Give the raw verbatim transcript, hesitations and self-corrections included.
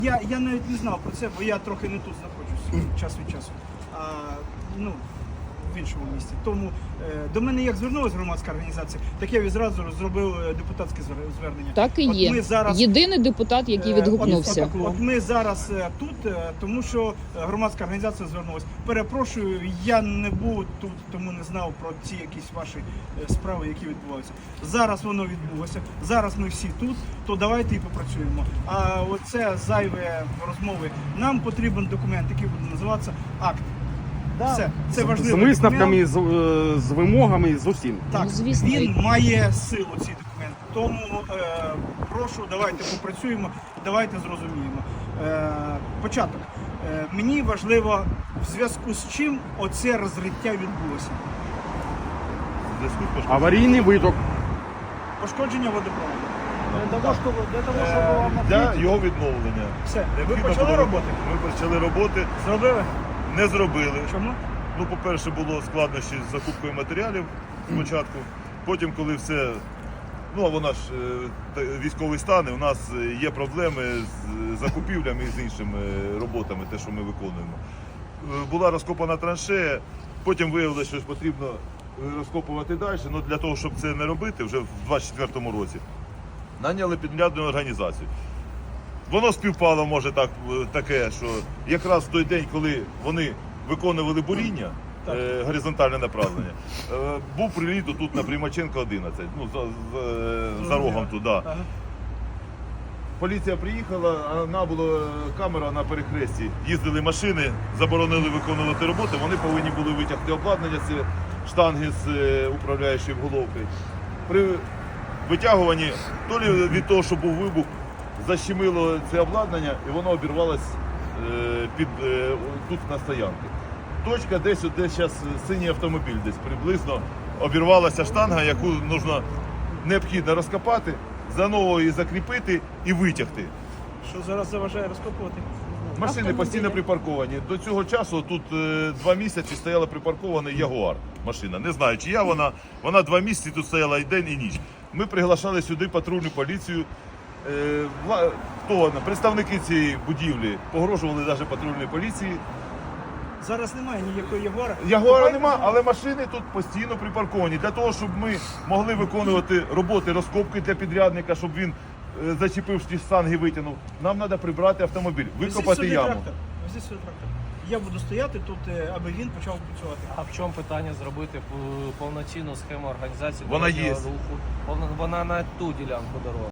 Я, я навіть не знав про це, бо я трохи не тут знаходжусь час від часу, а ну, в іншому місті. Тому е, до мене як звернулася громадська організація, так я відразу зробив е, депутатське звер- звернення. Так і От є. ми зараз, Єдиний депутат, який е, відгукнувся. От, от ми зараз е, тут, е, тому що е, громадська організація звернулася. Перепрошую, я не був тут, тому не знав про ці якісь ваші е, справи, які відбуваються. Зараз воно відбулося, зараз ми всі тут, то давайте і попрацюємо. А оце зайве розмови. Нам потрібен документ, який буде називатися акт. Все, це З важливо. висновками, з, е, з вимогами, з усім. Так, Ну, звісно. він має силу, цей документ. Тому е, прошу, давайте попрацюємо, давайте зрозуміємо. Е, початок. Е, мені важливо, в зв'язку з чим оце розриття відбулося. Аварійний виток. Пошкодження водопроводу. Для того, щоб, для того, щоб Е, вам Для ответить. його відновлення. Все, ви Необхідно почали було- роботи? Ми почали роботи, Зробили? не зробили. Чому? Ну, по-перше, було складнощі з закупкою матеріалів спочатку. Потім, коли все, ну а вона ж е, та- військовий стан, і у нас е, є проблеми з закупівлями і з іншими е, роботами, те, що ми виконуємо. Е, Була розкопана траншея, потім виявилося, що ж потрібно е, розкопувати далі. Ну, для того, щоб це не робити, вже в двадцять четвертому році наняли підрядну організацію. Воно співпало, може, так, е, таке, що якраз в той день, коли вони виконували буріння, Так. е, горизонтальне направлення, е, був приліт тут на Примаченка одинадцять, ну, за, за, за рогом туди. Ага. Поліція приїхала, а вона була камера на перехресті. Їздили машини, заборонили виконувати роботи, вони повинні були витягти обладнання, це штанги з е, управляючою головкою. При витягуванні, то лі від того, що був вибух, защемило це обладнання і воно обірвалось е, під, е, тут на стоянці. Точка десь, от десь зараз синій автомобіль, десь приблизно обірвалася штанга, яку нужно, необхідно розкопати, заново її закріпити і витягти. Що зараз заважає розкопувати? Машини постійно припарковані. До цього часу тут е, два місяці стояла припаркована Ягуар машина. Не знаю, чия вона. Вона два місяці тут стояла і день, і ніч. Ми приглашали сюди патрульну поліцію. Е, вла- хто, представники цієї будівлі погрожували навіть патрульній поліції. Зараз немає ніякої Ягуара. Ягуара Давайте- нема, але машини тут постійно припарковані. Для того, щоб ми могли виконувати роботи розкопки для підрядника, щоб він е, зачепив ті штанги, витягнув, нам треба прибрати автомобіль, Везіть викопати сюди яму. трактор. Везіть сюди трактор. Я буду стояти тут, е, аби він почав працювати. А в чому питання зробити е, повноцінну схему організації Вона дорожнього є. руху? Вона, вона на ту ділянку дороги.